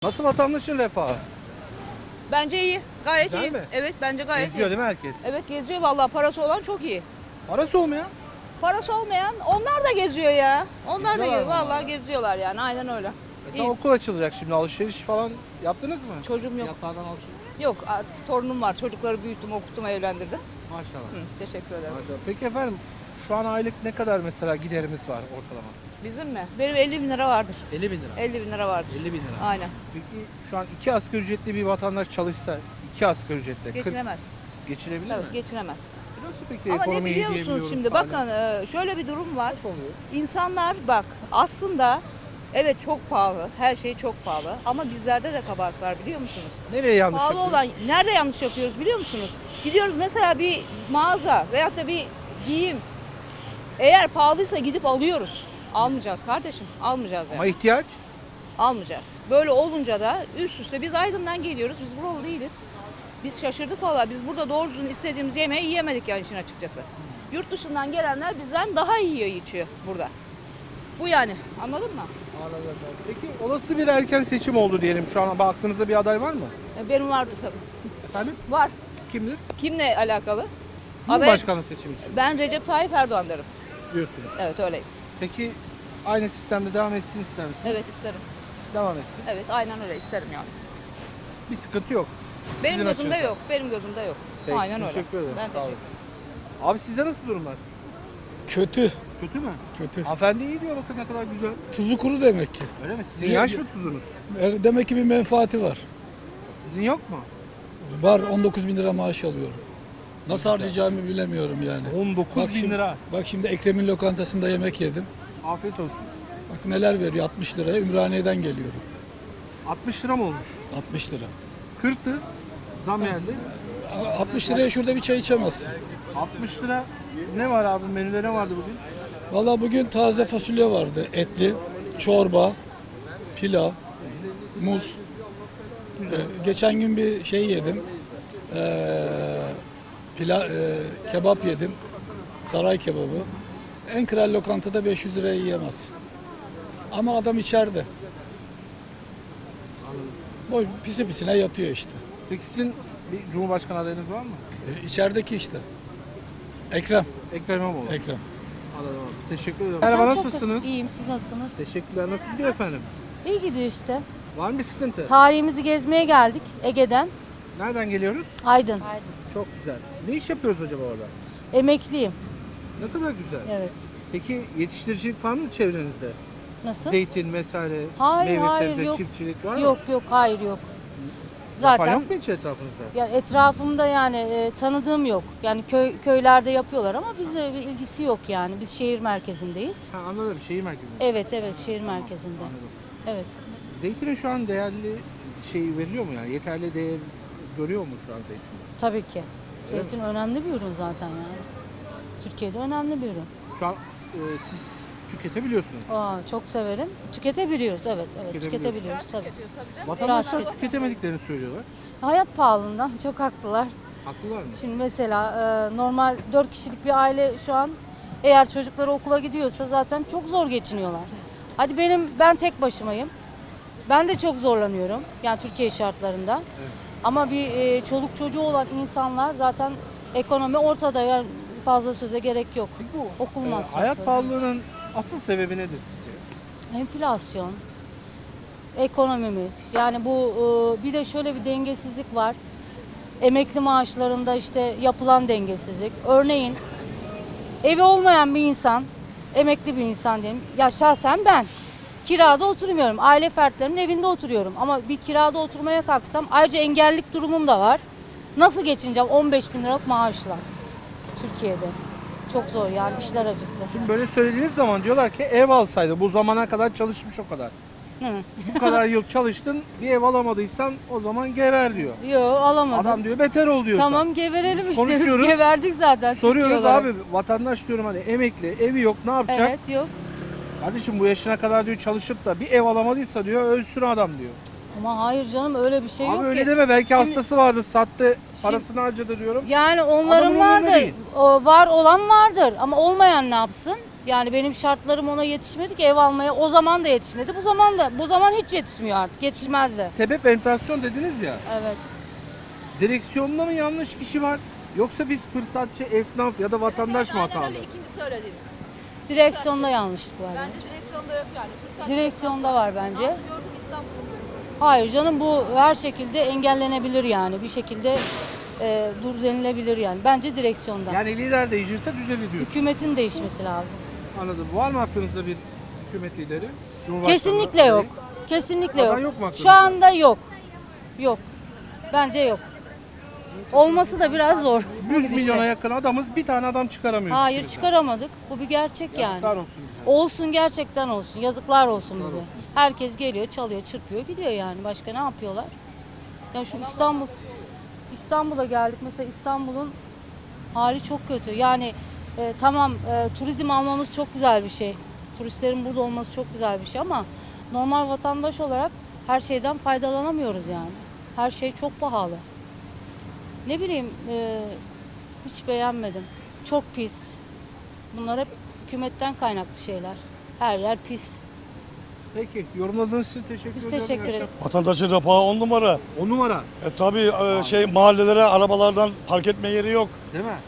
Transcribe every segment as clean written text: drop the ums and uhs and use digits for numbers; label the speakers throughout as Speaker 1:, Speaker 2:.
Speaker 1: Nasıl vatandaşın refahı?
Speaker 2: Bence iyi. Gayet
Speaker 1: Güzel
Speaker 2: iyi.
Speaker 1: mi?
Speaker 2: Evet bence gayet
Speaker 1: Geziyor
Speaker 2: iyi.
Speaker 1: değil mi herkes?
Speaker 2: Evet geziyor vallahi parası olan çok iyi.
Speaker 1: Parası olmayan?
Speaker 2: Parası olmayan onlar da geziyor ya. Onlar da
Speaker 1: Geziyorlar
Speaker 2: geziyor.
Speaker 1: mı
Speaker 2: Vallahi
Speaker 1: onlar?
Speaker 2: geziyorlar yani aynen öyle.
Speaker 1: Mesela
Speaker 2: İyi.
Speaker 1: okul açılacak şimdi, alışveriş falan yaptınız mı?
Speaker 2: Çocuğum yok.
Speaker 1: Fiyatlardan alışveriş.
Speaker 2: Yok artık torunum var. Çocukları büyüttüm, okuttum, evlendirdim.
Speaker 1: Maşallah.
Speaker 2: Hı, teşekkür ederim.
Speaker 1: Maşallah. Peki efendim, şu an aylık ne kadar mesela giderimiz var ortalama?
Speaker 2: Bizim mi? Benim 50 bin lira vardır.
Speaker 1: 50 bin lira.
Speaker 2: 50 bin lira vardır.
Speaker 1: 50 bin lira.
Speaker 2: Aynen.
Speaker 1: Peki şu an 2 asgari ücretli bir vatandaş çalışsa, 2 asgari ücretle
Speaker 2: Geçinemez.
Speaker 1: geçinebilir
Speaker 2: Tabii
Speaker 1: mi?
Speaker 2: geçinemez.
Speaker 1: Nasıl peki
Speaker 2: Ama ne
Speaker 1: ekonomiyi
Speaker 2: biliyor musunuz
Speaker 1: diyebiliyoruz
Speaker 2: şimdi?
Speaker 1: hala?
Speaker 2: Bakın şöyle bir durum var.
Speaker 1: Nasıl oluyor?
Speaker 2: İnsanlar bak aslında evet çok pahalı. Her şey çok pahalı. Ama bizlerde de kabahat var biliyor musunuz?
Speaker 1: Nereye yanlış
Speaker 2: Pahalı
Speaker 1: yapıyoruz?
Speaker 2: olan nerede yanlış yapıyoruz biliyor musunuz? Gidiyoruz mesela bir mağaza veyahut da bir giyim. Eğer pahalıysa gidip alıyoruz. Almayacağız kardeşim. Almayacağız yani.
Speaker 1: Ama ihtiyaç?
Speaker 2: Almayacağız. Böyle olunca da üst üste biz Aydın'dan geliyoruz. Biz buralı değiliz. Biz şaşırdık valla. Biz burada doğru düzgün istediğimiz yemeği yiyemedik yani işin açıkçası. Yurt dışından gelenler bizden daha iyi yiyor içiyor burada. Bu yani. Anladın mı?
Speaker 1: Anladım. Peki olası bir erken seçim oldu diyelim. Şu an aklınızda bir aday var mı?
Speaker 2: Benim vardı tabii.
Speaker 1: Efendim?
Speaker 2: Var.
Speaker 1: Kimdir?
Speaker 2: Kimle alakalı?
Speaker 1: Cumhurbaşkanı seçimi için
Speaker 2: Ben Recep Tayyip Erdoğan derim.
Speaker 1: diyorsunuz.
Speaker 2: Evet öyleyim.
Speaker 1: Peki aynı sistemde devam etsin ister misiniz?
Speaker 2: Evet isterim.
Speaker 1: Devam etsin.
Speaker 2: Evet aynen öyle isterim yani.
Speaker 1: Bir sıkıntı yok.
Speaker 2: Benim
Speaker 1: Sizin
Speaker 2: gözümde
Speaker 1: açınızdan.
Speaker 2: yok. Benim gözümde yok.
Speaker 1: Peki,
Speaker 2: Aynen öyle.
Speaker 1: teşekkür ederim.
Speaker 2: Ben
Speaker 1: Sağ olun.
Speaker 2: teşekkür ederim.
Speaker 1: Abi sizde nasıl durumlar?
Speaker 3: Kötü.
Speaker 1: Kötü mü?
Speaker 3: Kötü.
Speaker 1: Hanımefendi iyi diyor, bakın ne kadar güzel.
Speaker 3: Tuzu kuru demek ki.
Speaker 1: Öyle mi? Sizin
Speaker 3: Niye-
Speaker 1: yaş mı tuzunuz?
Speaker 3: Demek ki bir menfaati var.
Speaker 1: Sizin yok mu?
Speaker 3: Var 19 bin lira maaş alıyorum. Nasıl harcayacağımı bilemiyorum yani.
Speaker 1: 19
Speaker 3: Bak
Speaker 1: bin
Speaker 3: şimdi,
Speaker 1: lira.
Speaker 3: bak şimdi Ekrem'in lokantasında yemek yedim.
Speaker 1: Afiyet olsun.
Speaker 3: Bak neler veriyor 60 liraya Ümraniye'den geliyorum.
Speaker 1: 60 lira mı olmuş?
Speaker 3: 60 lira.
Speaker 1: 40'tı. Zam geldi.
Speaker 3: 60 liraya şurada bir çay içemezsin.
Speaker 1: 60 lira ne var abi? Menüde ne vardı bugün?
Speaker 3: Vallahi bugün taze fasulye vardı. Etli, çorba, pilav, muz. Geçen gün bir şey yedim. Kebap yedim. Saray kebabı. En kral lokantada 500 liraya yiyemezsin. Ama adam içeride. Boy pisi pisine yatıyor işte.
Speaker 1: Peki sizin bir cumhurbaşkanı adayınız var mı?
Speaker 3: İçerideki işte. Ekrem.
Speaker 1: Ekrem İmamoğlu.
Speaker 3: Ekrem.
Speaker 1: Anladım abi. Teşekkür ederim. Merhaba, nasılsınız?
Speaker 4: İyiyim, siz nasılsınız?
Speaker 1: Teşekkürler. Nasıl gidiyor efendim?
Speaker 4: İyi gidiyor işte.
Speaker 1: Var mı bir sıkıntı?
Speaker 4: Tarihimizi gezmeye geldik Ege'den.
Speaker 1: Nereden geliyoruz?
Speaker 4: Aydın.
Speaker 1: Çok güzel. Ne iş yapıyoruz acaba orada?
Speaker 4: Emekliyim.
Speaker 1: Ne kadar güzel.
Speaker 4: Evet.
Speaker 1: Peki yetiştiricilik var mı çevrenizde?
Speaker 4: Nasıl?
Speaker 1: Zeytin vesaire,
Speaker 4: Hayır,
Speaker 1: meyve
Speaker 4: hayır,
Speaker 1: sebze,
Speaker 4: yok.
Speaker 1: çiftçilik var mı?
Speaker 4: Yok yok, hayır yok.
Speaker 1: Yapan
Speaker 4: Zaten
Speaker 1: yok mu hiç etrafınızda?
Speaker 4: ya etrafımda yani tanıdığım yok. Yani köylerde yapıyorlar ama bize bir ilgisi yok yani. Biz şehir merkezindeyiz.
Speaker 1: Ha, anladım. Şehir merkezinde.
Speaker 4: Evet evet, şehir merkezinde.
Speaker 1: Anladım.
Speaker 4: Evet.
Speaker 1: Zeytinin şu an değerli şey veriliyor mu yani? Yeterli değer görüyor mu şu an zeytin?
Speaker 4: Tabii ki. Zeytin önemli bir ürün zaten yani. Türkiye'de önemli bir ürün.
Speaker 1: Şu an siz tüketebiliyorsunuz.
Speaker 4: Çok severim. Tüketebiliyoruz, evet,
Speaker 1: Tüketebiliyoruz.
Speaker 4: tüketebiliyoruz tabii.
Speaker 1: Vatandaşlar
Speaker 4: Rahat
Speaker 1: tüketemediklerini söylüyorlar.
Speaker 4: Hayat pahalılığından çok haklılar.
Speaker 1: Haklılar mı?
Speaker 4: Şimdi mesela normal 4 kişilik bir aile şu an eğer çocukları okula gidiyorsa zaten çok zor geçiniyorlar. Hadi ben tek başımayım. Ben de çok zorlanıyorum yani Türkiye şartlarında.
Speaker 1: Evet.
Speaker 4: Ama bir çoluk çocuğu olan insanlar zaten ekonomi ortada, yani fazla söze gerek yok.
Speaker 1: Peki bu
Speaker 4: Okul masrafları.
Speaker 1: hayat pahalılığının asıl sebebi nedir sizce?
Speaker 4: Enflasyon, ekonomimiz, yani bu bir de şöyle bir dengesizlik var. Emekli maaşlarında işte yapılan dengesizlik. Örneğin evi olmayan bir insan, emekli bir insan diyelim. Ya şahsen ben kirada oturmuyorum. Aile fertlerimin evinde oturuyorum. Ama bir kirada oturmaya kalksam ayrıca engellilik durumum da var. Nasıl geçineceğim 15 bin liralık maaşla Türkiye'de? Çok zor yani, işler acısı.
Speaker 1: Şimdi böyle söylediğiniz zaman diyorlar ki ev alsaydı, bu zamana kadar çalışmış o kadar.
Speaker 4: Hı.
Speaker 1: Bu kadar yıl çalıştın, bir ev alamadıysan o zaman gever diyor.
Speaker 4: Yok, alamadım.
Speaker 1: Adam diyor beter ol diyor.
Speaker 4: Tamam, geverelim işte. Biz
Speaker 1: Konuşuyoruz.
Speaker 4: geverdik zaten.
Speaker 1: Soruyoruz
Speaker 4: Türkiye olarak.
Speaker 1: abi, vatandaş diyorum hani emekli, evi yok, ne yapacak?
Speaker 4: Evet, yok.
Speaker 1: Kardeşim bu yaşına kadar diyor çalışıp da bir ev alamadıysa diyor ölsün adam diyor.
Speaker 4: Ama hayır canım, öyle bir şey yok
Speaker 1: Abi öyle
Speaker 4: ki.
Speaker 1: deme, belki
Speaker 4: Şimdi-
Speaker 1: hastası vardı, sattı, parasını harcadı diyorum.
Speaker 4: Yani
Speaker 1: Adamın
Speaker 4: onların
Speaker 1: umurunda
Speaker 4: vardır.
Speaker 1: değil.
Speaker 4: O var olan vardır ama olmayan ne yapsın? Yani benim şartlarım ona yetişmedi ki ev almaya. O zaman da yetişmedi. Bu zaman hiç yetişmiyor artık. Yetişmez de.
Speaker 1: Sebep enflasyon dediniz ya.
Speaker 4: Evet.
Speaker 1: Direksiyonda mı yanlış kişi var? Yoksa biz fırsatçı, esnaf ya da vatandaş mı hatalı?
Speaker 2: İkinci söylediğiniz.
Speaker 4: Direksiyonda yanlışlık var.
Speaker 2: Bence direksiyonda yok yani.
Speaker 4: Direksiyonda var bence.
Speaker 2: Gördüm İstanbul'da.
Speaker 4: Hayır canım, bu her şekilde engellenebilir yani. Bir şekilde dur denilebilir yani. Bence direksiyonda.
Speaker 1: Yani lider değişirse düzelir diyorsun.
Speaker 4: Hükümetin değişmesi lazım.
Speaker 1: Anladım. Var mı hakkınızda bir hükümet lideri? Cumhurbaşkanı
Speaker 4: Kesinlikle
Speaker 1: adayı?
Speaker 4: yok. Kesinlikle
Speaker 1: Aday
Speaker 4: yok.
Speaker 1: yok mu hakkınızda?
Speaker 4: Şu anda yok. Yok. Bence yok. Olması da biraz zor.
Speaker 1: 100
Speaker 4: gidişle.
Speaker 1: milyona yakın adamız, bir tane adam çıkaramıyoruz.
Speaker 4: Hayır,
Speaker 1: içeriden.
Speaker 4: çıkaramadık. Bu bir gerçek yani.
Speaker 1: Yazıklar olsun bize.
Speaker 4: Olsun, gerçekten olsun. Yazıklar olsun bize. Herkes geliyor, çalıyor, çırpıyor, gidiyor yani. Başka ne yapıyorlar? Ya şu İstanbul'a geldik. Mesela İstanbul'un hali çok kötü. Yani tamam, turizm almamız çok güzel bir şey. Turistlerin burada olması çok güzel bir şey ama normal vatandaş olarak her şeyden faydalanamıyoruz yani. Her şey çok pahalı. Ne bileyim, hiç beğenmedim. Çok pis. Bunlar hep hükümetten kaynaklı şeyler. Her yer pis.
Speaker 1: Peki, yorumladığınız için teşekkür
Speaker 4: Biz
Speaker 1: ediyorum.
Speaker 4: teşekkür ederiz.
Speaker 5: Vatandaşın refahı 10 numara.
Speaker 1: 10 numara,
Speaker 5: Tabii mahallelere arabalardan park etme yeri yok.
Speaker 1: değil mi?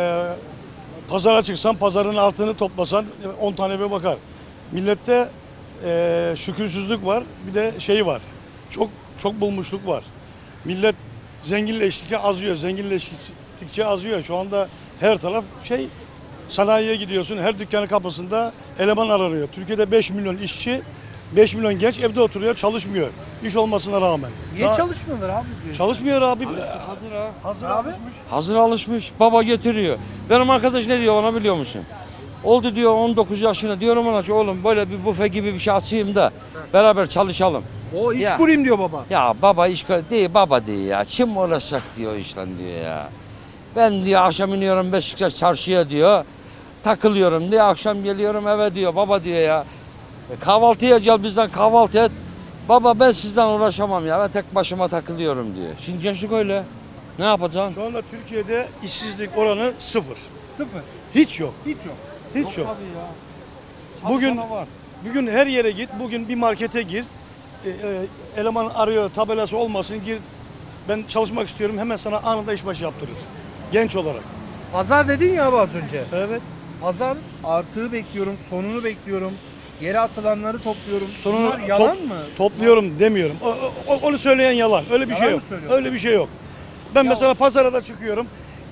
Speaker 5: Pazara çıksan pazarın altını toplasan 10 tane eve bakar. Millette şükürsüzlük var, bir de şey var. Çok bulmuşluk var. Millet zenginleştikçe azıyor, zenginleştikçe azıyor. Şu anda her taraf sanayiye gidiyorsun, her dükkanın kapısında eleman aranıyor. Türkiye'de 5 milyon işçi, 5 milyon genç evde oturuyor, çalışmıyor. İş olmasına rağmen.
Speaker 1: Niye
Speaker 5: Daha-
Speaker 1: çalışmıyorlar abi? diyor.
Speaker 5: Çalışmıyor abi.
Speaker 6: Hazır ha.
Speaker 5: Hazır
Speaker 1: Abi.
Speaker 5: alışmış.
Speaker 6: Hazır alışmış. Baba getiriyor. Benim arkadaş ne diyor ona biliyor musun? Oldu diyor 19 yaşına. Diyorum ona ki oğlum böyle bir büfe gibi bir şey açayım da beraber çalışalım.
Speaker 1: O iş
Speaker 6: Ya.
Speaker 1: kurayım diyor baba.
Speaker 6: Ya baba iş değil baba değil ya. Kim uğraşacak diyor işten diyor ya. Ben diyor akşam iniyorum Beşiktaş çarşıya diyor. Takılıyorum diyor. Akşam geliyorum eve diyor. Baba diyor ya. Kahvaltıya gel bizden kahvaltı et. Baba ben sizden uğraşamam ya. Ben tek başıma takılıyorum diyor. Şimdi gençlik öyle. Ne yapacaksın?
Speaker 5: Şu anda Türkiye'de işsizlik oranı 0.
Speaker 1: Sıfır.
Speaker 5: Hiç yok.
Speaker 1: Hiç yok.
Speaker 5: Hiç yok.
Speaker 6: Tabii ya.
Speaker 5: Bugün
Speaker 6: Çalışana var.
Speaker 5: bugün her yere git. Bugün bir markete gir. Eleman arıyor, tabelası olmasın, gir. Ben çalışmak istiyorum. Hemen sana anında işbaşı yaptırır. Genç olarak.
Speaker 1: Pazar dedin ya abi az önce.
Speaker 5: Evet.
Speaker 1: Pazar artığı bekliyorum, sonunu bekliyorum. Yere atılanları topluyorum.
Speaker 5: Sonunu
Speaker 1: Bunlar yalan mı?
Speaker 5: Topluyorum demiyorum. Onu söyleyen yalan. Öyle bir
Speaker 1: Yalan
Speaker 5: şey
Speaker 1: mı
Speaker 5: yok.
Speaker 1: söylüyorsun?
Speaker 5: Öyle bir şey yok. Ben mesela pazara da çıkıyorum.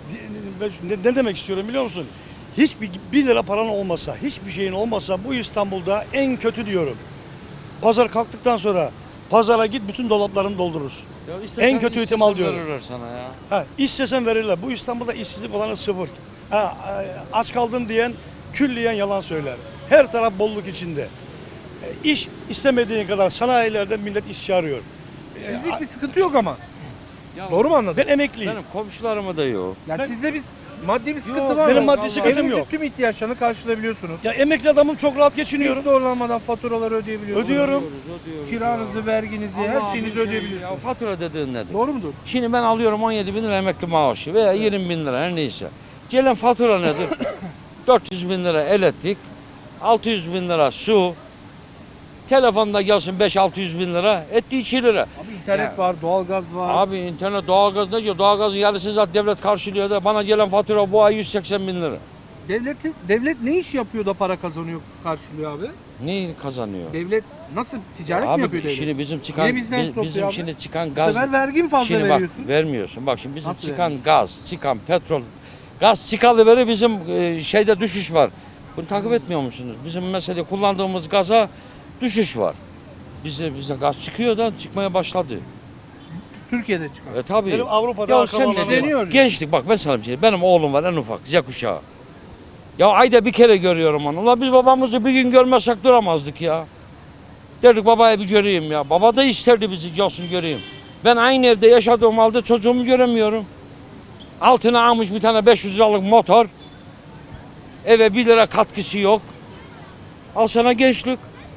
Speaker 5: Ne demek istiyorum biliyor musun? Hiçbir 1 lira paran olmasa, hiçbir şeyin olmasa bu İstanbul'da en kötü diyorum. Pazar kalktıktan sonra pazara git, bütün dolaplarını doldurursun.
Speaker 6: Ya istesen
Speaker 5: En kötü ihtimal
Speaker 6: istesen
Speaker 5: diyorum.
Speaker 6: Verirler sana ya.
Speaker 5: Ha, istesen verirler. Bu İstanbul'da işsizlik oranı 0. Ha, aç kaldım diyen külliyen yalan söyler. Her taraf bolluk içinde. İş istemediğin kadar sanayilerde millet işçi arıyor.
Speaker 1: Sizlik bir sıkıntı yok ama.
Speaker 6: Ya
Speaker 1: Doğru mu anladım?
Speaker 5: Ben emekliyim.
Speaker 6: Benim komşularıma da yok.
Speaker 1: Ya
Speaker 5: ben-
Speaker 1: sizde biz maddi bir sıkıntı
Speaker 6: Yok,
Speaker 1: var mı?
Speaker 5: benim maddi sıkıntım
Speaker 1: Evinizin
Speaker 5: yok.
Speaker 1: tüm ihtiyaçlarını karşılayabiliyorsunuz.
Speaker 5: Ya emekli adamım, çok rahat
Speaker 1: Hiç
Speaker 5: geçiniyorum.
Speaker 1: zorlanmadan faturaları ödeyebiliyorsunuz.
Speaker 5: Ödüyorum.
Speaker 1: Kiranızı, verginizi, her şeyinizi
Speaker 6: Ya
Speaker 1: ödeyebiliyorsunuz.
Speaker 6: fatura dediğin nedir?
Speaker 1: Doğru mudur?
Speaker 6: Şimdi ben alıyorum 17 bin lira emekli maaşı veya 20 bin lira her neyse. Gelen fatura nedir? 400 bin lira elektrik, 600 bin lira su, telefonda gelsin 5-600 bin lira, etti 2 lira.
Speaker 1: Abi internet
Speaker 6: Ya.
Speaker 1: var, doğalgaz var.
Speaker 6: Abi internet, doğalgaz ne diyor? Doğalgazın yarısını zaten devlet karşılıyor da bana gelen fatura bu ay 180 bin lira.
Speaker 1: Devlet ne iş yapıyor da para kazanıyor, karşılıyor abi?
Speaker 6: Ne kazanıyor?
Speaker 1: Devlet nasıl ticaret mi
Speaker 6: Abi
Speaker 1: yapıyor devlet?
Speaker 6: şimdi bizim çıkan
Speaker 1: Niye bizden topluyor
Speaker 6: bizim
Speaker 1: abi?
Speaker 6: şimdi çıkan
Speaker 1: Bu
Speaker 6: gaz
Speaker 1: sefer vergi mi fazla
Speaker 6: şimdi
Speaker 1: veriyorsun?
Speaker 6: bak vermiyorsun. Bak şimdi bizim
Speaker 1: Nasıl
Speaker 6: çıkan gaz, çıkan petrol, gaz çıkalı beri bizim şeyde düşüş var. Bunu takip etmiyor musunuz? Bizim mesela kullandığımız gaza düşüş var. Bize gaz çıkıyor da çıkmaya başladı.
Speaker 1: Türkiye'de çıkan.
Speaker 6: Tabii.
Speaker 5: Benim Avrupa'da
Speaker 6: Ya
Speaker 5: akrabam
Speaker 6: sen
Speaker 5: var.
Speaker 1: işleniyor.
Speaker 6: gençlik bak ben sana bir şey. Benim oğlum var en ufak Z kuşağı. Ya ayda bir kere görüyorum onu. Ulan biz babamızı bir gün görmezsek duramazdık ya. Derdik babaya bir göreyim ya. Baba da isterdi bizi gelsin göreyim. Ben aynı evde yaşadığım halde çocuğumu göremiyorum. Altına almış bir tane 500 liralık motor. Eve 1 lira katkısı yok. Al sana gençlik.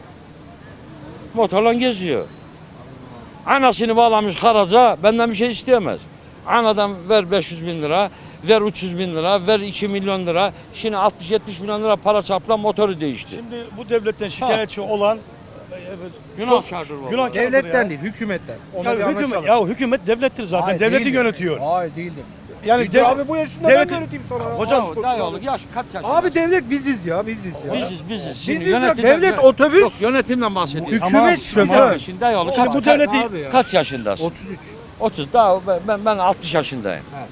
Speaker 6: Motorla geziyor. Anasını bağlamış haraca benden bir şey isteyemez. Anadan ver 500 bin lira. ver 300 bin lira, ver 2 milyon lira. Şimdi 60-70 milyon lira para çarpılan motoru değişti.
Speaker 5: Şimdi bu devletten şikayetçi olan
Speaker 6: Günahkardır vallahi.
Speaker 5: günahkardır
Speaker 1: Devletten
Speaker 5: ya.
Speaker 1: değil, hükümetten. Ona
Speaker 5: Ya
Speaker 1: bir
Speaker 5: hükümet,
Speaker 1: anlaşalım.
Speaker 5: hükümet devlettir zaten.
Speaker 1: Hayır,
Speaker 5: Devleti
Speaker 1: değildir.
Speaker 5: yönetiyor.
Speaker 1: Hayır değildir.
Speaker 5: Yani
Speaker 1: Değildir abi bu yaşında
Speaker 5: devleti-
Speaker 1: ben yöneteyim sonra.
Speaker 5: Hocam,
Speaker 1: Abi,
Speaker 6: Dayı oğlu yaş kaç yaşında?
Speaker 1: abi devlet biziz ya, biziz ya.
Speaker 6: biziz. Şimdi
Speaker 1: Biziz ya,
Speaker 6: yönetim-
Speaker 1: devlet otobüs.
Speaker 6: Yok yönetimden bahsediyorum.
Speaker 1: Hükümet
Speaker 5: Tamam,
Speaker 1: şoför.
Speaker 6: Şimdi dayı oğlu
Speaker 5: Şimdi
Speaker 6: kaç,
Speaker 5: bu devleti
Speaker 1: Abi ya.
Speaker 6: kaç yaşındasın?
Speaker 1: 33.
Speaker 6: 30. Daha ben 60 yaşındayım.
Speaker 1: Evet.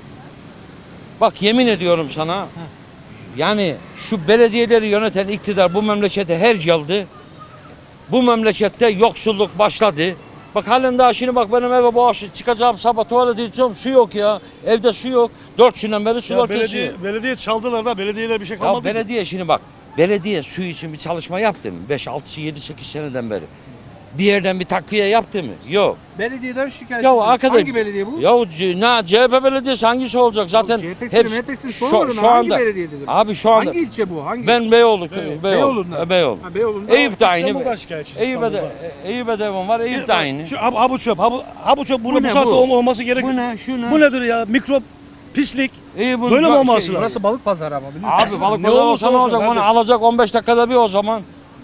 Speaker 6: Bak yemin ediyorum sana. Yani şu belediyeleri yöneten iktidar bu memlekete hercaldı. Bu memlekette yoksulluk başladı. Bak halen daha şimdi bak benim eve bu akşam çıkacağım sabah tuvalete gideceğim su yok ya. Evde su yok. 4 günden beri sular
Speaker 5: ya
Speaker 6: kesiyor.
Speaker 5: belediye çaldılar da belediyeler bir şey
Speaker 6: Ya
Speaker 5: kalmadı. ki.
Speaker 6: belediye şimdi bak. Belediye su için bir çalışma yaptı mı? 5, 6, 7, 8 seneden beri. Bir yerden bir takviye yaptı mı? Yok.
Speaker 1: Belediyeden şikayetçisiniz.
Speaker 6: Ya arkadaş.
Speaker 1: Hangi belediye bu?
Speaker 6: Ya CHP belediyesi hangisi olacak? Zaten
Speaker 1: CHP'sini MHP'sini sormadın
Speaker 6: şu
Speaker 1: hangi
Speaker 6: anda.
Speaker 1: belediyededir?
Speaker 6: Abi şu anda
Speaker 1: Hangi ilçe bu? Hangi?
Speaker 6: ben Beyoğlu.
Speaker 1: Beyoğlu'ndan.
Speaker 6: Beyoğlu.
Speaker 1: Ha, Beyoğlu'nda.
Speaker 6: Eyüp de aynı.
Speaker 5: İstanbul'dan şikayetçi.
Speaker 6: Eyüp'e de evim var. Eyüp de aynı.
Speaker 5: Şu ha bu çöp, ha bu çöp burada
Speaker 6: Bu
Speaker 5: bu
Speaker 6: ne
Speaker 5: saatte
Speaker 6: bu?
Speaker 5: olmaması gerek.
Speaker 6: Bu ne? Şu ne?
Speaker 5: Bu nedir ya? Mikrop, pislik.
Speaker 6: Eyüp'ün
Speaker 5: Böyle mi
Speaker 6: bak-
Speaker 5: olması lazım?
Speaker 1: Burası balık pazarı ama biliyor musun?
Speaker 6: Abi balık
Speaker 5: Ne
Speaker 6: pazarı
Speaker 5: olursa
Speaker 6: olsa ne
Speaker 5: olsun
Speaker 6: olacak? Onu
Speaker 5: kardeşim.
Speaker 6: alacak 15 dakikada bir o zaman.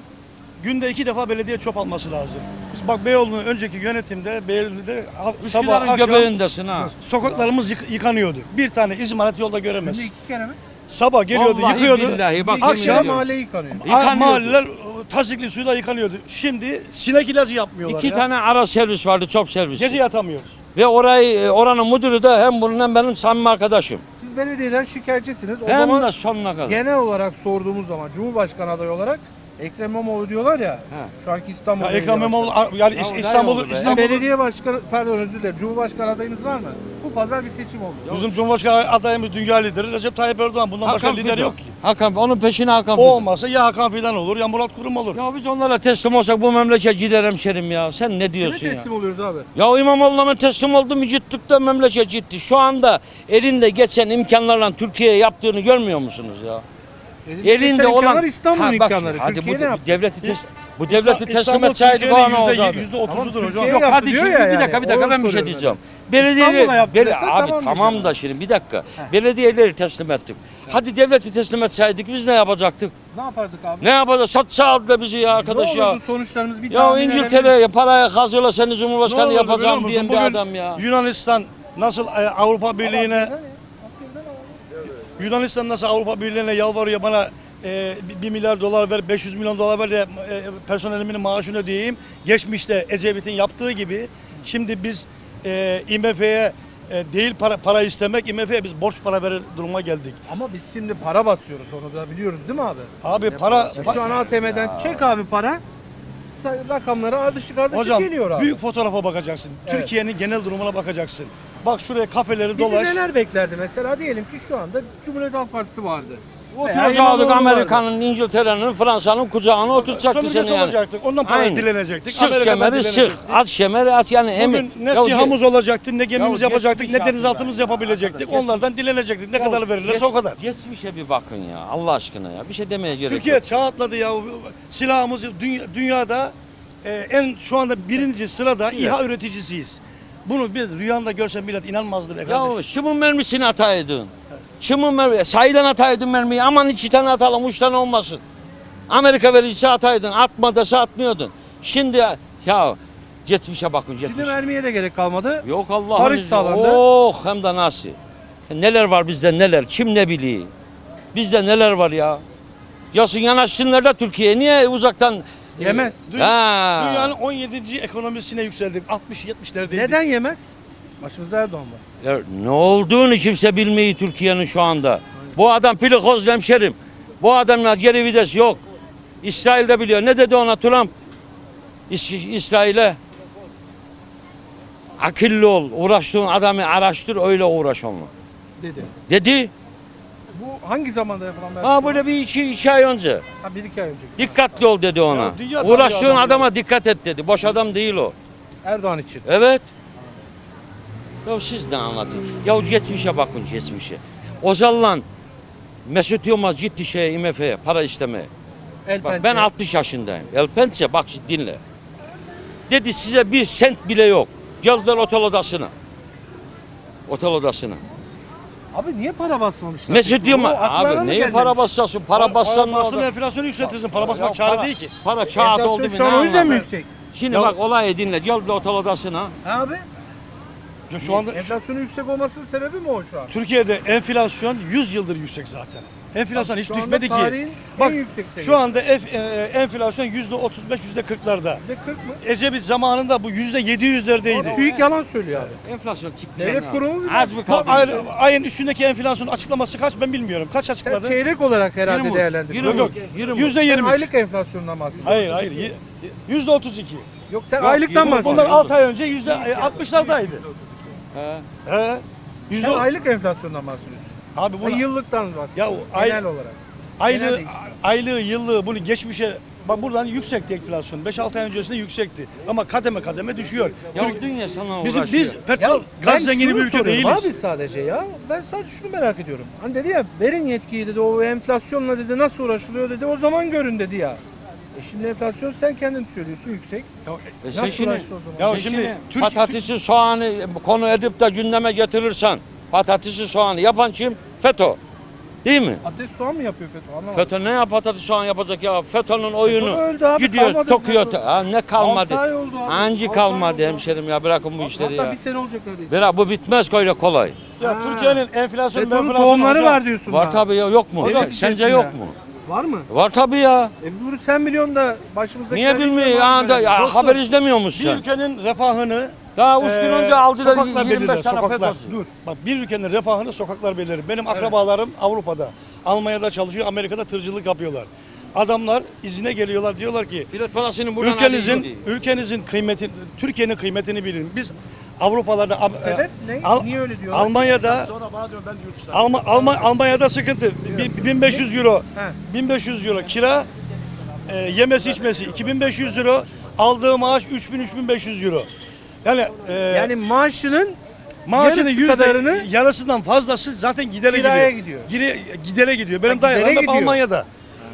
Speaker 5: Günde 2 defa belediye çöp alması lazım. Biz bak Beyoğlu'nun önceki yönetimde Beyoğlu'da sabah
Speaker 6: Üsküdar'ın
Speaker 5: akşam
Speaker 6: göbeğindesin ha.
Speaker 5: sokaklarımız yıkanıyordu. Bir tane izmarit yolda göremez.
Speaker 1: Şimdi 2 kere mi?
Speaker 5: Sabah geliyordu,
Speaker 6: Vallahi
Speaker 5: yıkıyordu.
Speaker 6: billahi bak
Speaker 1: Akşam
Speaker 6: yemin ediyorum.
Speaker 1: mahalle yıkanıyor.
Speaker 6: Yıkanıyordu.
Speaker 5: Mahalleler tazikli suyla yıkanıyordu. Şimdi sinek ilacı yapmıyorlar
Speaker 6: 2
Speaker 5: ya.
Speaker 6: tane ara servis vardı, çöp servisi.
Speaker 5: Gece yatamıyoruz.
Speaker 6: Ve oranın müdürü de hem bunun hem benim samimi arkadaşım.
Speaker 1: Siz belediyeden şikayetçisiniz. O
Speaker 6: Hem
Speaker 1: zaman
Speaker 6: de sonuna kadar.
Speaker 1: genel olarak sorduğumuz zaman Cumhurbaşkanı adayı olarak Ekrem İmamoğlu diyorlar ya. Şu anki İstanbul
Speaker 5: Ya
Speaker 1: Belediye
Speaker 5: Ekrem İmamoğlu
Speaker 1: Başkanı.
Speaker 5: yani
Speaker 6: Ya o
Speaker 5: İstanbul'u
Speaker 6: ne oldu be?
Speaker 1: Sizin belediye başkanı, pardon özür dilerim. Cumhurbaşkanı adayınız var mı? Bu pazar bir seçim oldu.
Speaker 5: bizim Cumhurbaşkanı adayımız dünya lideri Recep Tayyip Erdoğan. Bundan başka lider
Speaker 6: Fidan.
Speaker 5: yok ki.
Speaker 6: Onun peşine Hakan
Speaker 5: O
Speaker 6: Fidan.
Speaker 5: olmasa ya Hakan Fidan olur ya Murat Kurum olur.
Speaker 6: Ya biz onlara teslim olsak bu memleket gider hemşerim ya. Sen ne
Speaker 1: Kime
Speaker 6: diyorsun ya?
Speaker 1: teslim oluyoruz abi?
Speaker 6: Ya İmamoğlu'na mı teslim oldu mu gittik de memleket gitti. Şu anda elinde geçen imkanlarla Türkiye'ye yaptığını görmüyor musunuz ya? Elinde olan
Speaker 1: İstanbul'un
Speaker 6: Ha, bak
Speaker 1: imkanları.
Speaker 6: şimdi, hadi
Speaker 1: Türkiye
Speaker 6: bu
Speaker 1: ne yaptı?
Speaker 6: bu devleti teslim
Speaker 5: İstanbul
Speaker 6: etseydik o an
Speaker 5: Türkiye'nin
Speaker 6: olacaktı.
Speaker 5: %30'udur
Speaker 1: Tamam,
Speaker 5: hocam.
Speaker 1: Türkiye
Speaker 6: Yok
Speaker 1: yaptı
Speaker 6: hadi
Speaker 1: diyor
Speaker 6: şimdi
Speaker 1: ya
Speaker 6: bir
Speaker 1: yani.
Speaker 6: dakika
Speaker 1: Onu
Speaker 6: ben bir şey
Speaker 1: soruyorum
Speaker 6: diyeceğim.
Speaker 1: İstanbul'a yaptı desen
Speaker 6: Abi
Speaker 1: tamam
Speaker 6: tamam
Speaker 1: diyeceğim.
Speaker 6: da şimdi bir dakika. Belediyeleri teslim ettik. Hadi devleti teslim etseydik biz ne yapacaktık?
Speaker 1: Ne yapardık abi?
Speaker 6: Ne yapacağız? Satsa aldı bizi ya arkadaş
Speaker 1: ne
Speaker 6: ya.
Speaker 1: olurdu sonuçlarımız bir
Speaker 6: Ya
Speaker 1: tahmin edebilir
Speaker 6: İngiltere'ye paraya kazıyorlar seni
Speaker 5: Ne
Speaker 6: Cumhurbaşkanı
Speaker 5: olurdu biliyor
Speaker 6: yapacağım
Speaker 5: musun?
Speaker 6: diyen bir
Speaker 5: Bugün
Speaker 6: adam ya.
Speaker 5: Yunanistan nasıl Avrupa Birliği'ne yalvarıyor bana 1 milyar dolar ver, 500 milyon dolar ver de personelimin maaşını ödeyeyim. Geçmişte Ecevit'in yaptığı gibi şimdi biz IMF'ye değil para istemek, IMF'ye biz borç para verir duruma geldik.
Speaker 1: Ama biz şimdi para basıyoruz onu da biliyoruz değil mi abi?
Speaker 5: Abi para
Speaker 1: Şu an ATM'den çek abi para. Rakamları ardışık
Speaker 5: hocam
Speaker 1: geliyor abi.
Speaker 5: büyük fotoğrafa bakacaksın.
Speaker 1: Evet.
Speaker 5: Türkiye'nin genel durumuna bakacaksın. Bak şuraya kafeleri
Speaker 1: Bizi
Speaker 5: dolaş.
Speaker 1: neler beklerdi mesela diyelim ki şu anda Cumhuriyet Halk Partisi vardı.
Speaker 6: Oturacaktık
Speaker 1: İmamoğlu
Speaker 6: Amerika'nın, İngiltere'nin, Fransa'nın kucağına oturacaktı
Speaker 5: Sömürgesi
Speaker 6: seni yani.
Speaker 5: olacaktık. Ondan para
Speaker 6: Aynen.
Speaker 5: dilenecektik.
Speaker 6: Sık
Speaker 5: Amerika'dan
Speaker 6: şemeri sık,
Speaker 5: dilenecektik.
Speaker 6: at şemeri at yani emin.
Speaker 5: Bugün ne sihamız olacaktı, ne gemimiz
Speaker 6: Ya
Speaker 5: yapacaktık,
Speaker 6: geçmiş
Speaker 5: ne denizaltımız
Speaker 6: artık
Speaker 5: yapabilecektik.
Speaker 6: Arkadaş,
Speaker 5: Onlardan dilenecektik. Ne kadar verirlerse o kadar.
Speaker 6: Geçmişe bir bakın ya Allah aşkına ya. Bir şey demeye gerek
Speaker 5: Türkiye
Speaker 6: yok.
Speaker 5: çağ atladı ya. Silahımız dünyada en şu anda birinci sırada İHA üreticisiyiz. Bunu biz rüyanda görsen millet inanmazdı be
Speaker 6: Ya
Speaker 5: kardeşim.
Speaker 6: kimin mermisini ataydın? Kimin mermi? Sahiden ataydın mermiyi. Aman 2 tane atalım, 3 tane olmasın. Amerika vericisi ataydın. Atma dese atmıyordun. Şimdi ya geçmişe bakın
Speaker 1: Şimdi
Speaker 6: geçmişe.
Speaker 1: vermeye de gerek kalmadı.
Speaker 6: Yok Allah'ın
Speaker 1: Barış
Speaker 6: izniyle.
Speaker 1: sağlandı.
Speaker 6: Oh hem de nasıl. Neler var bizde neler. Kim ne biliyor. Bizde neler var ya. Yasın yanaşsınlar da Türkiye'ye. Niye uzaktan
Speaker 1: Yemez.
Speaker 6: Ha.
Speaker 5: Dünyanın 17. ekonomisine yükseldik. 60-70'lerdeydik.
Speaker 1: Neden yemez? Başımızda Erdoğan var.
Speaker 6: Ya ne olduğunu kimse bilmiyor Türkiye'nin şu anda. Bu adam pilikoz hemşerim. Bu adamla geri vites yok. İsrail de biliyor. Ne dedi ona Trump? İsrail'e akıllı ol. Uğraştığın adamı araştır öyle uğraş onunla.
Speaker 1: Dedi.
Speaker 6: Dedi.
Speaker 1: Bu hangi zamanda yapılan bir
Speaker 6: Ha böyle bir iki ay önce.
Speaker 1: Ha, 1-2 ay önce.
Speaker 6: Dikkatli ol dedi ona.
Speaker 5: Ya dünya
Speaker 6: Uğraştığın
Speaker 5: tanıyor
Speaker 6: adama dikkat et dedi. Boş adam değil o.
Speaker 1: Erdoğan için.
Speaker 6: Evet. Ya siz ne anlatın? Ya geçmişe bakın geçmişe. Özal'la Mesut Yılmaz gitti IMF'ye para istemeye.
Speaker 1: El
Speaker 6: Bak
Speaker 1: pençe.
Speaker 6: ben 60 yaşındayım. El Pençe bak dinle. Dedi size bir sent bile yok. Geldiler otel odasına. Otel odasına.
Speaker 1: Abi niye para basmamışlar?
Speaker 6: Mesut
Speaker 1: peki?
Speaker 6: diyor mu?
Speaker 1: O aklarına
Speaker 6: Abi
Speaker 1: mı
Speaker 6: neyi
Speaker 1: gelmemiş?
Speaker 6: para basacaksın? Para bassan ne
Speaker 5: basın
Speaker 6: olur?
Speaker 5: enflasyonu yükseltirsin. Para
Speaker 6: Ya
Speaker 5: basmak çare
Speaker 6: para-
Speaker 5: değil ki.
Speaker 6: Para çağat oldu
Speaker 1: Enflasyon
Speaker 6: mu
Speaker 1: şu an
Speaker 6: ne
Speaker 1: o yüzden mi
Speaker 6: anlamı?
Speaker 1: yüksek?
Speaker 6: Şimdi
Speaker 5: Ya-
Speaker 6: bak olayı dinle. Gel bir otel odasına.
Speaker 1: Ha abi?
Speaker 5: Şu anda
Speaker 1: Enflasyonun yüksek olmasının sebebi mi o şu an?
Speaker 5: Türkiye'de enflasyon 100 yıldır yüksek zaten. Enflasyon hiç
Speaker 1: Şu anda
Speaker 5: düşmedi ki.
Speaker 1: tarihin
Speaker 5: Bak
Speaker 1: en yüksek seviyesi.
Speaker 5: şu anda enflasyon %35, %40'larda.
Speaker 1: %40 mı?
Speaker 5: Ecevit zamanında bu %700'lerdeydi.
Speaker 1: TÜİK yalan söylüyor abi.
Speaker 6: Enflasyon çıktı.
Speaker 1: Devlet
Speaker 6: yani.
Speaker 1: kurumu mu?
Speaker 6: Az mı
Speaker 5: Bak,
Speaker 6: kaldı?
Speaker 5: ayın üstündeki enflasyon açıklaması kaç ben bilmiyorum. Kaç
Speaker 1: Sen
Speaker 5: açıkladı?
Speaker 1: çeyrek olarak herhalde
Speaker 6: 20.
Speaker 1: değerlendiriyorsun.
Speaker 5: Yok,
Speaker 6: Yirmi.
Speaker 5: %23.
Speaker 1: Aylık enflasyondan bahsediyorsun.
Speaker 5: Hayır hayır. %32.
Speaker 1: Yok sen
Speaker 6: Yok,
Speaker 1: aylıktan
Speaker 6: yirmi.
Speaker 1: bahsediyorsun.
Speaker 5: Bunlar 6 ay önce %60'lardaydı.
Speaker 6: He.
Speaker 5: He.
Speaker 1: Sen
Speaker 5: Yüzde
Speaker 1: aylık enflasyondan bahsediyorsun.
Speaker 5: Abi
Speaker 1: Ha,
Speaker 5: bunu
Speaker 1: yıllıktan bahsediyorsun.
Speaker 5: ya o ay,
Speaker 1: Genel olarak.
Speaker 5: aylığı,
Speaker 1: genel değişim.
Speaker 5: aylığı, yıllığı bunu geçmişe bak buradan yüksekti enflasyon. 5-6 ay öncesinde yüksekti. Ama kademe kademe düşüyor.
Speaker 6: Ya dünya sana
Speaker 5: Bizim
Speaker 6: uğraşıyor.
Speaker 5: biz petrol
Speaker 1: ben
Speaker 5: gaz zengini
Speaker 1: şunu
Speaker 5: bir ülke
Speaker 1: soruyorum
Speaker 5: değiliz.
Speaker 1: Abi sadece ya. Ben sadece şunu merak ediyorum. Hani dedi ya verin yetkiyi dedi o enflasyonla dedi nasıl uğraşılıyor dedi o zaman görün dedi ya. Şimdi enflasyon sen kendin söylüyorsun yüksek.
Speaker 5: Ya,
Speaker 6: Sen
Speaker 1: Nasıl
Speaker 6: şimdi,
Speaker 1: uğraştı o zaman?
Speaker 5: Ya
Speaker 6: sen
Speaker 5: şimdi Türk-
Speaker 6: patatesi, soğanı konu edip de gündeme getirirsen patatesi, soğanı yapan kim? FETÖ. Değil mi?
Speaker 1: Ateş soğan mı yapıyor FETÖ? Anlamadım.
Speaker 6: FETÖ ne yap patates soğan yapacak ya? FETÖ'nün oyunu
Speaker 1: öldü abi,
Speaker 6: gidiyor
Speaker 1: kalmadı
Speaker 6: tokuyor.
Speaker 1: FETÖ.
Speaker 6: Ha, ne kalmadı?
Speaker 1: 6 ay oldu abi.
Speaker 6: Anca
Speaker 1: 6 ay
Speaker 6: kalmadı
Speaker 1: oldu.
Speaker 6: hemşerim ya bırakın bu işleri
Speaker 1: Hatta
Speaker 6: ya.
Speaker 1: bir sene olacak neredeyse.
Speaker 6: Bırak bu bitmez öyle kolay.
Speaker 5: Ya
Speaker 1: Ha.
Speaker 5: Türkiye'nin enflasyonu
Speaker 1: FETÖ'nün
Speaker 5: enflasyonu
Speaker 1: tohumları
Speaker 5: hocam.
Speaker 1: var diyorsun.
Speaker 6: Var
Speaker 1: daha.
Speaker 6: tabii ya yok mu?
Speaker 1: Devlet
Speaker 6: Sence
Speaker 1: içerisinde.
Speaker 6: yok mu?
Speaker 1: Var mı?
Speaker 6: Var tabii ya.
Speaker 1: Bunu sen biliyorsun da başımızdaki...
Speaker 6: Niye bilmiyor ya? Ya
Speaker 5: Dostum,
Speaker 6: haber izlemiyor musun
Speaker 5: Bir
Speaker 6: sen?
Speaker 5: ülkenin refahını
Speaker 6: Daha 3 gün önce aldılar
Speaker 5: sokaklar
Speaker 6: 25
Speaker 5: belirler,
Speaker 6: tane
Speaker 5: sokaklar.
Speaker 6: FETÖ'cü.
Speaker 5: Dur. Bak bir ülkenin refahını sokaklar belirler. Benim akrabalarım Avrupa'da, Almanya'da çalışıyor, Amerika'da tırcılık yapıyorlar. Adamlar izine geliyorlar diyorlar ki
Speaker 6: Bilet parasını buradan alıyor diye.
Speaker 5: ülkenizin kıymeti, Türkiye'nin kıymetini bilin. Biz Avrupalarda
Speaker 1: Sebep ne? Niye öyle diyorlar?
Speaker 5: Almanya'da Almanya'da sıkıntı. 1500 euro.
Speaker 1: He.
Speaker 5: 1500 euro kira, yemesi içmesi 2500 euro, aldığı maaş 3500 euro. Yani,
Speaker 1: Yani maaşının
Speaker 5: maaşının
Speaker 1: yarısı kadarını
Speaker 5: yarısından fazlası zaten gidere
Speaker 1: kiraya
Speaker 5: gidiyor.
Speaker 1: gidiyor.
Speaker 5: Gidere gidiyor. Benim
Speaker 1: Ha, gidere
Speaker 5: dayılarım hep
Speaker 1: gidiyor.
Speaker 5: Almanya'da.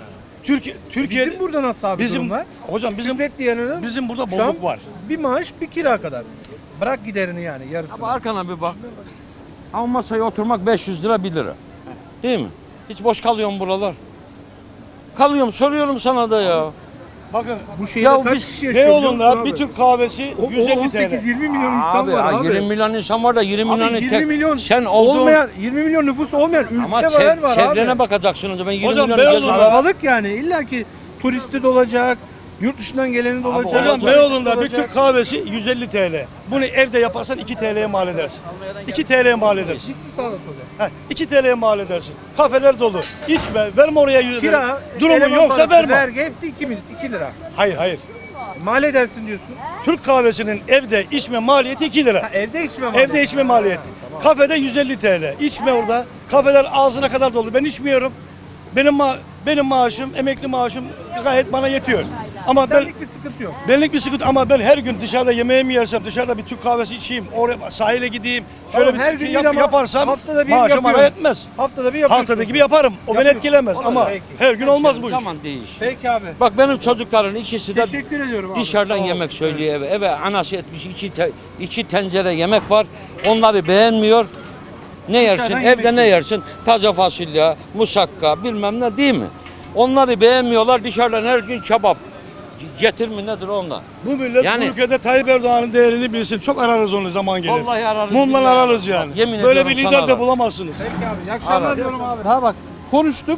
Speaker 5: Türkiye
Speaker 1: bizim burada nasıl abi
Speaker 5: bizim
Speaker 1: durumlar?
Speaker 5: hocam bizim
Speaker 1: Şükret diyeninin
Speaker 5: bizim burada
Speaker 1: şu an
Speaker 5: bolluk var.
Speaker 1: bir maaş bir kira kadar. Bırak giderini yani yarısını.
Speaker 6: Ama arkana bir bak. Ama masaya oturmak 500 lira 1 lira. Değil mi? Hiç boş kalıyor mu buralar? Kalıyorum soruyorum sana da ya.
Speaker 5: Bakın
Speaker 1: Bu şehirde
Speaker 6: Ya
Speaker 1: kaç
Speaker 6: biz
Speaker 1: kişi yaşıyor? biliyor musun
Speaker 5: Beyoğlu'nda
Speaker 1: abi?
Speaker 5: bir Türk kahvesi
Speaker 1: O
Speaker 5: 150 TL.
Speaker 1: 18-20 milyon insan
Speaker 6: Abi,
Speaker 1: var abi.
Speaker 6: 20 milyon insan var da 20
Speaker 1: Abi
Speaker 6: milyonu
Speaker 1: 20
Speaker 6: tek.
Speaker 1: milyon
Speaker 6: Sen olduğun
Speaker 1: olmayan 20 milyon nüfusu olmayan
Speaker 6: ama
Speaker 1: ülkeler var
Speaker 6: çevrene
Speaker 1: abi.
Speaker 6: bakacaksın o zaman 20
Speaker 5: Hocam,
Speaker 6: milyonu
Speaker 5: Beyoğlu'nda-
Speaker 6: gezin.
Speaker 1: Kalabalık yani illa ki turisti de olacak, yurt dışından geleni de olacak.
Speaker 5: Hocam
Speaker 1: turisti de
Speaker 5: Beyoğlu'nda bir
Speaker 1: olacak.
Speaker 5: Türk kahvesi 150 TL. Bunu evde yaparsan 2 TL'ye mal edersin. 2 TL'ye mal edersin.
Speaker 1: Gitsin sağda sola.
Speaker 5: 2 TL'ye mal edersin. Kafeler dolu. İçme, verme oraya 100 lira.
Speaker 1: Kira,
Speaker 5: Durumun
Speaker 1: eleman
Speaker 5: yoksa
Speaker 1: parası,
Speaker 5: verme.
Speaker 1: vergi hepsi 2 lira.
Speaker 5: Hayır hayır.
Speaker 1: Mal edersin diyorsun.
Speaker 5: Türk kahvesinin evde içme maliyeti 2 lira.
Speaker 1: Ha, evde içme mal.
Speaker 5: Evde içme maliyeti. Kafede 150 TL. İçme orada. Kafeler ağzına kadar dolu. Ben içmiyorum. Benim maaşım, emekli maaşım gayet bana yetiyor. Ama ben
Speaker 1: Senlik bir sıkıntı yok.
Speaker 5: benlik bir sıkıntı ama ben her gün dışarıda yemeğe mi yersem, dışarıda bir Türk kahvesi içeyim, oraya sahile gideyim, şöyle
Speaker 1: Tamam,
Speaker 5: bir
Speaker 1: her
Speaker 5: sıkı
Speaker 1: gün değil ama
Speaker 5: yaparsam
Speaker 1: haftada bir
Speaker 5: maaşım bana
Speaker 1: yapıyorum.
Speaker 5: yetmez.
Speaker 1: Haftada bir yapıyorsun.
Speaker 5: Haftada gibi yaparım. O beni
Speaker 1: Yapıyorsun.
Speaker 5: etkilemez ama
Speaker 1: Peki.
Speaker 5: her gün olmaz bu iş.
Speaker 6: Zaman değiş.
Speaker 1: Peki abi.
Speaker 6: Bak benim çocukların ikisi de
Speaker 1: Teşekkür ediyorum abi.
Speaker 6: dışarıdan
Speaker 1: Sağ ol.
Speaker 6: yemek söylüyor eve. Eve anası etmiş iki tencere yemek var. Onları beğenmiyor. Ne yersin?
Speaker 1: Dışarıdan
Speaker 6: Evde
Speaker 1: yemek
Speaker 6: ne yersin? Taze fasulye, musakka bilmem ne değil mi? Onları beğenmiyorlar. Dışarıdan her gün kebap. Getir mi nedir onlar?
Speaker 5: Bu millet
Speaker 6: Yani-
Speaker 5: bu ülkede Tayyip Erdoğan'ın değerini bilsin. Çok ararız onu zaman gelir.
Speaker 6: Vallahi ararız.
Speaker 5: Mumdan
Speaker 6: billahi
Speaker 5: ararız yani.
Speaker 6: Bak, yemin
Speaker 5: Böyle
Speaker 6: ediyorum
Speaker 5: bir
Speaker 6: sana
Speaker 5: lider de
Speaker 6: arar.
Speaker 5: bulamazsınız.
Speaker 1: Peki abi. İyi akşamlar
Speaker 6: Ara.
Speaker 1: diyorum abi. Ha bak konuştuk.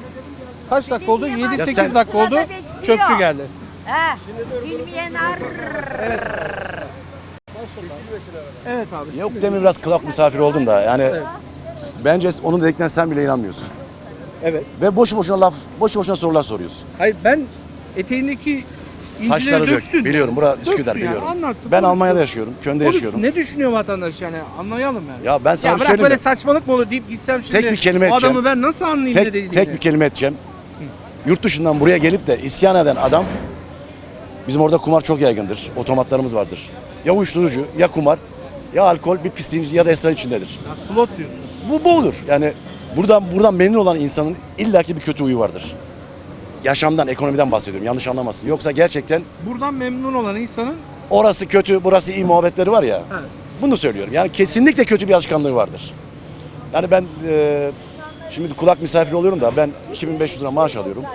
Speaker 1: Kaç dakika oldu? 7-8 dakika oldu. Çöpçü geldi.
Speaker 7: He, bilmeyen
Speaker 1: Evet abi.
Speaker 8: Yok demin biraz kulak misafir oldum da yani bence onun dediklerine sen bile inanmıyorsun.
Speaker 1: Evet.
Speaker 8: Ve boşu boşuna sorular soruyorsun.
Speaker 1: Hayır ben eteğindeki incileri
Speaker 8: Taşları dök.
Speaker 1: döksün.
Speaker 8: Biliyorum bura
Speaker 1: Döksün
Speaker 8: Üsküdar
Speaker 1: yani,
Speaker 8: biliyorum.
Speaker 1: anlatsın,
Speaker 8: Ben
Speaker 1: konuşsun.
Speaker 8: Almanya'da yaşıyorum. Köln'de
Speaker 1: Konuş,
Speaker 8: yaşıyorum.
Speaker 1: ne düşünüyor vatandaş yani anlayalım yani.
Speaker 8: Ya ben sana
Speaker 1: Ya
Speaker 8: bir
Speaker 1: bırak
Speaker 8: söyleyeyim
Speaker 1: böyle
Speaker 8: mi?
Speaker 1: saçmalık mı olur deyip gitsem şimdi
Speaker 8: Tek bir kelime
Speaker 1: o
Speaker 8: edeceğim.
Speaker 1: adamı ben nasıl anlayayım ne dediğini.
Speaker 8: Tek bir kelime edeceğim. Yurt dışından buraya gelip de isyan eden adam, bizim orada kumar çok yaygındır. Otomatlarımız vardır. Ya uyuşturucu, ya kumar, ya alkol, bir pisliğin ya da esrar içindedir.
Speaker 1: Ya, slot diyorsun.
Speaker 8: Bu olur. Yani buradan memnun olan insanın illaki bir kötü huyu vardır. Yaşamdan, ekonomiden bahsediyorum. Yanlış anlamasın. Yoksa gerçekten
Speaker 1: Buradan memnun olan insanın
Speaker 8: orası kötü, burası iyi muhabbetleri var ya.
Speaker 1: Evet.
Speaker 8: Bunu söylüyorum. Yani kesinlikle kötü bir alışkanlığı vardır. Yani ben şimdi kulak misafiri oluyorum da ben 2500 lira maaş alıyorum.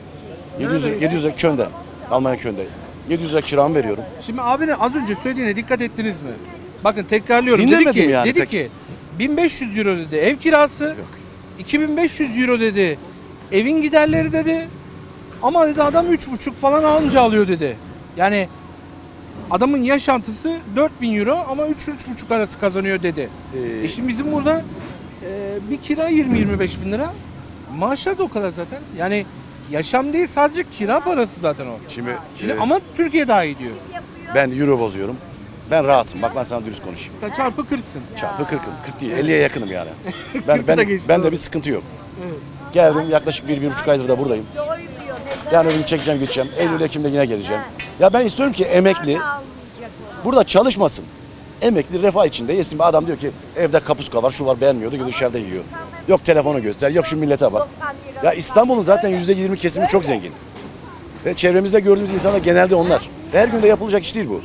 Speaker 8: 700 lira Köln'de, Almanya Köln'de. 700 lira kiramı veriyorum.
Speaker 1: Şimdi abinin az önce söylediğine dikkat ettiniz mi? Bakın tekrarlıyorum.
Speaker 8: Dinlemedim yani
Speaker 1: Dedi
Speaker 8: pek.
Speaker 1: ki 1500 euro dedi ev kirası. 2500 euro dedi evin giderleri dedi. Ama dedi adam 3,5 falan anca alıyor dedi. Yani adamın yaşantısı 4000 euro ama 3-3,5 arası kazanıyor dedi. Şimdi bizim burada bir kira 20-25 bin lira. Maaşlar da o kadar zaten. Yani yaşam değil sadece kira parası zaten o.
Speaker 8: Şimdi,
Speaker 1: Ama Türkiye daha iyi diyor.
Speaker 8: ben euro bozuyorum. Ben rahatım. Bak ben sana dürüst konuşayım.
Speaker 1: Sen çarpı 40'sın.
Speaker 8: Çarpı 40'ım. 40 değil. 50'ye yakınım yani.
Speaker 1: Kırkı da geçti,
Speaker 8: Ben de
Speaker 1: doğru.
Speaker 8: bir sıkıntı yok.
Speaker 1: Evet.
Speaker 8: Geldim yaklaşık 1-1,5 aydır da buradayım. Yani ürün çekeceğim gideceğim. Eylül Ekim'de yine geleceğim. Ya ben istiyorum ki emekli burada çalışmasın. Emekli refah içinde yesin. Bir adam diyor ki evde kapuska var, şu var beğenmiyordu, gidiyor dışarıda yiyor. Yok telefonu göster, yok şu millete bak. Ya İstanbul'un zaten %20 kesimi çok zengin. Ve çevremizde gördüğümüz insanlar genelde onlar. Ve her gün de yapılacak iş değil bu.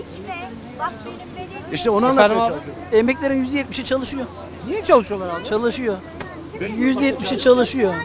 Speaker 8: İşte onu anlatmaya çalışıyorum.
Speaker 9: Emeklerin %70'i çalışıyor.
Speaker 1: Niye çalışıyorlar abi?
Speaker 9: Çalışıyor. %70'i çalışıyor.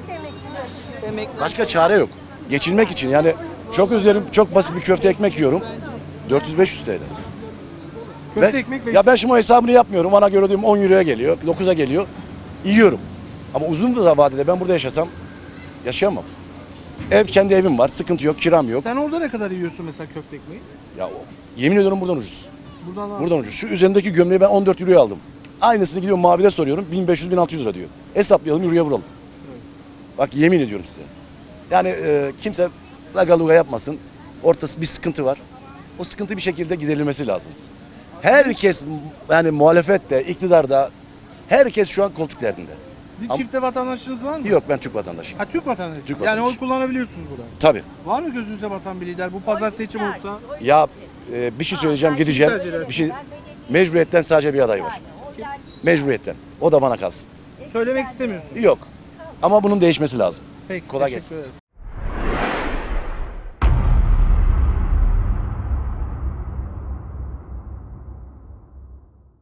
Speaker 8: Başka çare yok. Geçinmek için yani çok özlerim, çok basit bir köfte ekmek yiyorum. 400-500 TL.
Speaker 1: Köfte ekmek ve
Speaker 8: Ya ben şimdi o hesabını yapmıyorum. Bana göre diyorum 10 euroya geliyor, 9'a geliyor. Yiyorum. Ama uzun bir vadede ben burada yaşasam yaşayamam. Kendi evim var, sıkıntı yok, kiram yok.
Speaker 1: sen orada ne kadar yiyorsun mesela köfte ekmeği?
Speaker 8: Ya yemin ediyorum buradan ucuz.
Speaker 1: Buradan al.
Speaker 8: Buradan ucuz. Şu üzerindeki gömleği ben 14 euroya aldım. Aynısını gidiyorum mavide soruyorum. 1500-1600 lira diyor. Hesaplayalım, euroya vuralım. Bak yemin ediyorum size. Yani kimse lagaluga yapmasın. Ortası bir sıkıntı var. O sıkıntı bir şekilde giderilmesi lazım. Herkes yani muhalefette, iktidarda herkes şu an koltuk derdinde.
Speaker 1: Sizin
Speaker 8: Ama-
Speaker 1: çifte vatandaşınız var mı?
Speaker 8: Yok ben Türk vatandaşıyım.
Speaker 1: Ha Türk vatandaşı.
Speaker 8: Türk
Speaker 1: Yani oy
Speaker 8: vatandaşı.
Speaker 1: kullanabiliyorsunuz burada.
Speaker 8: Tabii.
Speaker 1: Var mı gözünüze batan bir lider? Bu pazar seçim olsa
Speaker 8: Ya bir şey söyleyeceğim gideceğim. Bir şey mecburiyetten sadece bir aday var. Mecburiyetten. O da bana kalsın.
Speaker 1: söylemek istemiyorsun.
Speaker 8: Yok. Ama bunun değişmesi lazım.
Speaker 1: Peki.
Speaker 8: Kolay
Speaker 1: teşekkür
Speaker 8: gelsin.
Speaker 1: ederiz.